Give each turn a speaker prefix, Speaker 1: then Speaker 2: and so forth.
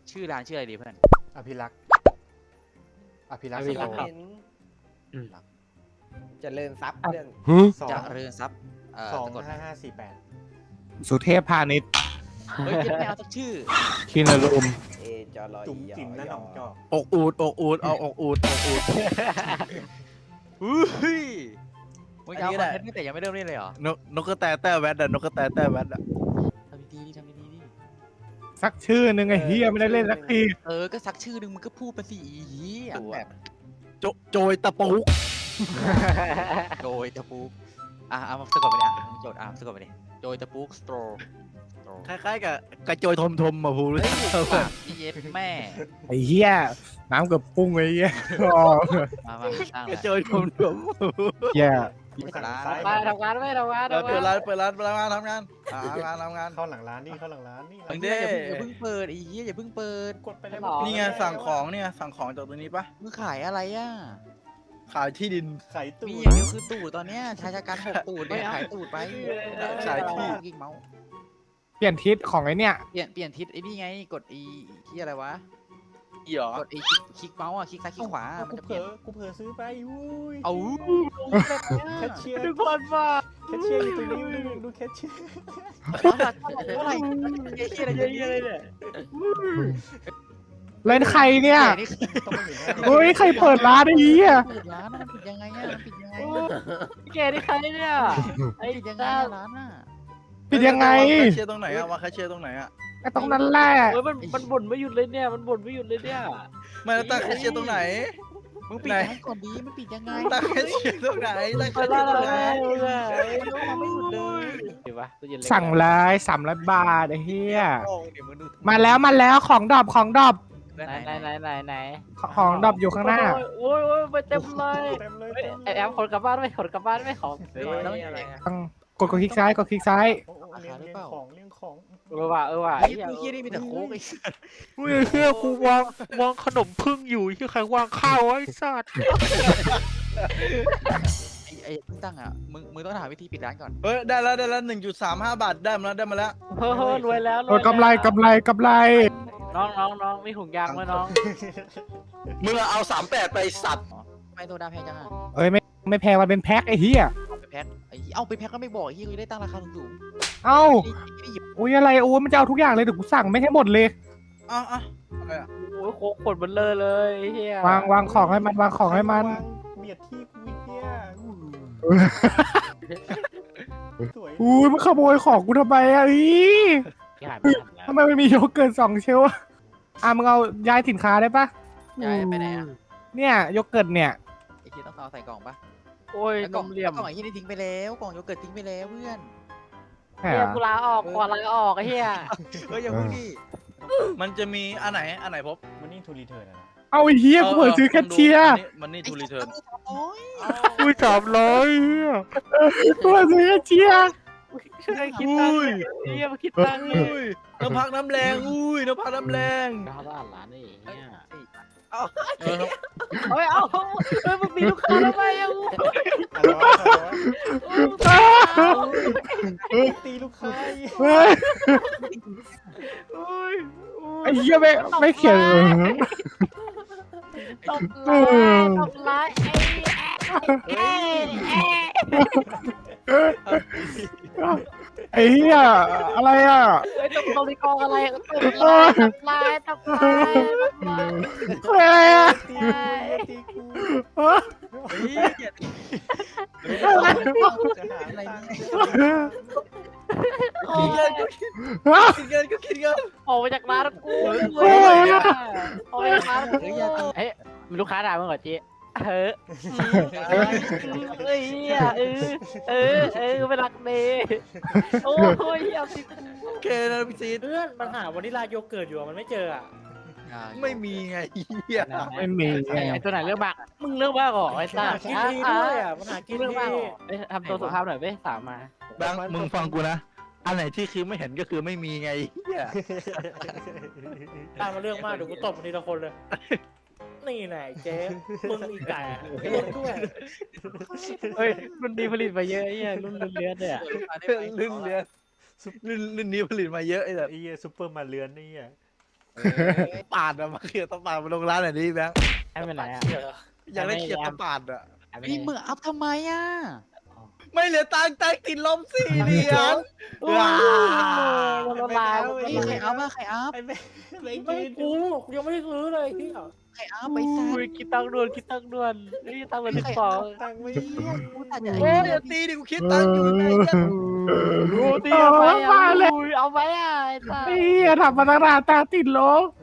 Speaker 1: ชื่อร้านชื่ออะไรดีเพื่อน
Speaker 2: อภิรักษ์อภิรักษ์
Speaker 3: อภิ
Speaker 2: ส
Speaker 3: รั
Speaker 2: โต
Speaker 3: กษ์
Speaker 2: ร์
Speaker 3: เห็นเจริญทรัพย์เพื่อน
Speaker 2: สอ
Speaker 1: จะ
Speaker 2: ง
Speaker 1: เรือนทรัพย์
Speaker 2: สอง
Speaker 1: สะกด
Speaker 2: 5548
Speaker 4: สุเทพพาณิชย์
Speaker 1: เฮ้ยยังไม่เอาสักชื่อ
Speaker 4: คินารุม
Speaker 3: เอจอรอ
Speaker 2: จุ๋มจิ๋มนั่นหนองจอก
Speaker 5: อกอูดอกอูดเอาอกอูดอกอูด
Speaker 1: อุ้ยมึงจะเอา
Speaker 5: อันนี้
Speaker 1: คอน
Speaker 5: แห
Speaker 1: เท
Speaker 5: ละ
Speaker 1: นต์แต่ยังไม่เริ่มเล่นเลยเหรอน
Speaker 5: กกระแตแต่แวดอะนกกระแตแต่แวดอะ
Speaker 1: ทำดีๆดิทำดีๆดิ
Speaker 4: สักชื่อหนึ่งไอ้เฮียไม่ได้เล่นสักที
Speaker 1: ก็สักชื่อหนึ่งมึงก็พูดไปสิอีเหี้ยแบบ
Speaker 5: โจยตะปุก
Speaker 1: โดยตะปูกเอามาสะกดไปดิโจทย์สะกดไปดิโดยตะปูกสโตร
Speaker 5: คล้ายๆกับกระโจยทมมาพูดเลย
Speaker 1: ปากพี่เย็ดแม่
Speaker 4: ไอ้เฮียน้ำเกับปุ้งไอ้เฮียอ๋อ
Speaker 1: มาตั้ง
Speaker 5: ก
Speaker 1: เล
Speaker 5: ระ
Speaker 1: ย
Speaker 5: โจยทม
Speaker 4: เฮีย
Speaker 1: ร้าน
Speaker 3: มาทำงานไม่ทำงาน
Speaker 5: เปิดร้านทำงาน
Speaker 2: เข้าหลังร้านนี่เข้าหลังร้านนี่
Speaker 1: มึงอย่าเพิ่งเปิดไอ้เหี้ยอย่าเพิ่งเปิด
Speaker 2: กดไปแล้ว
Speaker 5: นี่ไงสั่งของเนี่ยสั่งของจากตรงนี้ปะ
Speaker 1: มึงขายอะไรอ่ะ
Speaker 5: ขายที่ดิน
Speaker 2: ไข่ตุ๋
Speaker 1: มี
Speaker 2: น
Speaker 1: อย่างเดียวคือตูดตอนเนี้ยชายชะกัน6ตูดเนี่ยขายตูดไป
Speaker 5: ขายที่
Speaker 1: กิ๊กเมาส์
Speaker 4: เปลี่ยนทิศของไอ้เนี่ย
Speaker 1: เปลี่ยนทิศไอ้นี่ไงกดอีที่อะไรวะ
Speaker 5: อีหรอก
Speaker 1: ดอีคลิกเมาส์อ่ะคลิกซ้ายคลิกขวามัน
Speaker 2: กู
Speaker 1: จะ
Speaker 2: เผ
Speaker 1: เป
Speaker 2: ล
Speaker 1: ลี่ยน
Speaker 2: อกูเผลอซื้อไปอุ้ย
Speaker 1: เอา
Speaker 2: แคชเชียร์
Speaker 3: ทุกคนว่า
Speaker 2: แคชเชียร์อยู่ตรงนี้ดูแคชเชียร์
Speaker 1: เท่าไหร่เฮียอะไรเยอะเลย
Speaker 4: เล่นใครเนี่ย
Speaker 1: นี่
Speaker 2: ต้องมาอยู่หน้า
Speaker 4: เฮ้ยใครเปิดร้านไอ้เฮีย
Speaker 1: ปิดร้านมันปิดยังไงอ่ะมันปิดยังไง
Speaker 3: แกนี่ใครเนี่ยไอ้
Speaker 1: ปิดยังไง
Speaker 3: ตา
Speaker 1: ร้านอ่ะ
Speaker 4: ปิดยังไง
Speaker 5: แคชเชียร์ตรงไหนอะวางแคชเชียร์ตรงไหนอะ
Speaker 4: ไอ้ตรงนั้นแหละ
Speaker 3: เฮ้ยมันบ่นไม่หยุดเลยเนี่ยมันบ่นไม่หยุดเลยเนี่ย
Speaker 5: ไม่แล้วตั้งแคชเชียร์ตรงไหน
Speaker 1: มึงปิดร้านก่อนดีมันปิดยังไง
Speaker 5: ตั้งแคชเชียร์ตรงไหนตั้งแค
Speaker 3: ไป
Speaker 5: ชเชี
Speaker 3: แล้
Speaker 5: ยว ร์ตรงไหน
Speaker 1: ไม่หยุดเลย
Speaker 3: เห็นปะตู้เย็นเล็ก
Speaker 4: สั่งเลย300 บาทไอ้เฮีย
Speaker 1: โอ้เดี๋ยวมึงดู
Speaker 4: มาแล้วของดรอปของดรอป
Speaker 3: ไหน
Speaker 4: ของดรอปอยู่ข้างหน้า
Speaker 3: โอ้ยไปเต็มเลย
Speaker 2: เต็มเลย
Speaker 3: ไอแอมคนกลับบ้านไม่คนกลับบ้านไม่ของ
Speaker 1: แล้ว
Speaker 4: กดคลิกซ้ายกดคลิกซ้าย
Speaker 2: เลี้ยงของเลี้ยงของ
Speaker 3: ว่ะ
Speaker 1: ไอ้เฮียนี่มีแต่โค้กไอ้
Speaker 4: เฮ้ยเฮียกูวางขนมพึ่งอยู่ที่ใครวางข้าวไอ้สัตว์
Speaker 1: ไอ้เพิ่งตั้งอ่ะมึงต้องหาวิธีปิดร้านก่อน
Speaker 5: เฮ้ยได้แล้ว1.35 บาทได้มาแล้ว
Speaker 3: เฮ้ยรวยแล้ว
Speaker 4: โอ้ยกำไร
Speaker 3: น้องมีถุงยางไหมน้อง
Speaker 5: มึงเอา38ไปสัตว์
Speaker 1: ไม่โซดาแพงจังอ่ะ
Speaker 4: เอ้ยไม่แพงมันเป็นแพ็คไอ้เฮีย
Speaker 1: ไปแพ็คไอ้เอาไปแพ็คก็ไม่บอกไอ้เฮียกูได้ตั้งราคาสูง
Speaker 4: เอ้า
Speaker 1: ๆนี่หยิบ
Speaker 4: โอ้ยอะไรโอ้ยมันจะเอาทุกอย่างเลยเดี๋ยวกูสั่งไม่ให้หมดเลย
Speaker 5: อ่ะอะไรอะ
Speaker 3: โอ้ยโคกขนมันเลยเฮียว
Speaker 4: างของให้มันวางของให้มัน
Speaker 2: เบียดที่กูเนี่ยสวย
Speaker 4: อุ้ยมันขโมยของกูทำไมอ่ะอีทำไมมันมีโยเกิร์ต2 เชลฟ์มึงเอาย้ายสินค้าได้ปะ
Speaker 1: ย้ายไปไหนอ่ะ
Speaker 4: เนี่ยโยเกิร์ตเนี่ย
Speaker 1: ไอ้เฮียต้องเอาใส่กล่องปะ
Speaker 3: โอ้ย
Speaker 1: แล้ว
Speaker 3: น
Speaker 1: กล่อง
Speaker 3: มเหลี่ยม
Speaker 1: กล่องไอ้เฮียนี่ทิ้งไปแล้วกล่องโยเกิร์ตทิ้งไปแล้วเพื่อน
Speaker 4: ใช่
Speaker 3: เฮี
Speaker 4: เหร
Speaker 3: ย
Speaker 4: อ
Speaker 3: กูลาออกขอลาออกไอ้เฮีย
Speaker 1: เฮ้ยอย่าพูดดิ
Speaker 5: มันจะมีอันไหนพบ
Speaker 2: มันนี่ทูรีเทิร์นนะ
Speaker 4: เอาไอ้เฮียกูเปิดซื้อแคชเชียร์
Speaker 5: มันนี่ทูรีเทิร์น
Speaker 1: โอ้ย
Speaker 4: อุ้ย300เฮียกูเปิดซื้อแคชเชียร์
Speaker 3: ช่วยคิดตังค์เฮียมาคิดตังค์
Speaker 5: อุ้ยน้ำพักน้ำแรงน้ำพักน้ำแรง
Speaker 3: ดาวร้านนี่เฮีย
Speaker 5: เออ
Speaker 3: เฮ้ยเอาเฮ้ยมึงมีลูกค้าแล้วไหมอ่ะ
Speaker 2: ตีลูกค้า
Speaker 4: เฮ้ยไอ้เฮียไม่เขียน
Speaker 3: ตบไลน์
Speaker 4: ไอ้เฮียอะไรอ่ะ
Speaker 3: เฮ้ยตบตบกองอะไรตบไลน์ตบไลน์
Speaker 4: อะไรอ่ะ
Speaker 2: ตีกู
Speaker 1: เฮ้ยอย่าจะหาอะไรเนี่ย
Speaker 5: คิดเงินก็คิดเงิน
Speaker 3: ออกมาจากร้านกูออกมาจากร้านกูเฮ้ยมีลูกค้าด่ามึงเหรอเจ๊เฮ้ยเฮ้ยไม่รักเมย์โอ้ยเอาสิ
Speaker 5: โอเคนะพี่ซีด
Speaker 6: เพื่อนมันหาวานิลาโยเกิร์ตอยู่อะมันไม่เจออ่ะ
Speaker 5: ไม่มีไงเฮีย
Speaker 4: ไม่มี
Speaker 3: ไอ้ตัวไหนเรื่องบ้ามึงเรื่องบ้าก่อนไอ้
Speaker 6: มัน
Speaker 3: ตา
Speaker 6: หากินดีด้วยอ่ะมันหากิน
Speaker 3: เรื่อง
Speaker 6: ดี
Speaker 3: บ้าก่อนทำตัวสุภาพหน่อยเว้ยสามมา
Speaker 5: แบงค์มึงฟังกูนะอันไหนที่คือไม่เห็นก็คือไม่มีไงเฮีย
Speaker 6: ตามมาเรื่องมากเดี๋ยวกูตบมันทีละคนเลย นี่แหละเจ๊มึงอีกไก่เล่นด้วย
Speaker 3: เฮ้ยรุ่นดีผลิตมาเยอะไอ้เหี้ยรุ่นเลือดเนี่ย
Speaker 5: รุ่นนี้ผลิตมาเยอะไอ้แบบ
Speaker 2: ไอ้เหี้ยซุปเปอร์มาเลือนนี่อ่ะ
Speaker 5: ปาดอะมาเคลียร์ตะปาดมาลงร้านไหนดีแบงค์
Speaker 3: ให้เป็นไรอ่ะ
Speaker 6: เหี้ยเหรอ
Speaker 5: อยากได้เคลียร์ตะปาดอะ
Speaker 1: พี่มึงอัพทำไมอ่ะ
Speaker 5: ไม่เหลือตังค์ติดลม4 เหรียญ
Speaker 3: ว้าวละลาย
Speaker 1: เฮ้ยใครอัพอ่ะใครอัพ
Speaker 2: ไอ้แม่แม่ง
Speaker 6: ไม่
Speaker 2: ยืน
Speaker 6: กูยังไม่ได้ซื้อเลยเฮีย
Speaker 1: ใครอัพไปซ่า
Speaker 3: อุ้ยคิดตังค์ด่วนคิดตังค์ด่วนนี่ตังค์เลย12
Speaker 2: ตังค์ไม่
Speaker 1: กูตัดใจ
Speaker 5: โอ้ยอย่าตีดิกูคิดตังค์อยู่ไงเนี่ย
Speaker 3: ดูตีเอาไปอ่ะอุ้ยเอาไปอ่ะไอ้สัส
Speaker 4: ไอ้เหี้ยทำมาตั้งนานตาติดลบ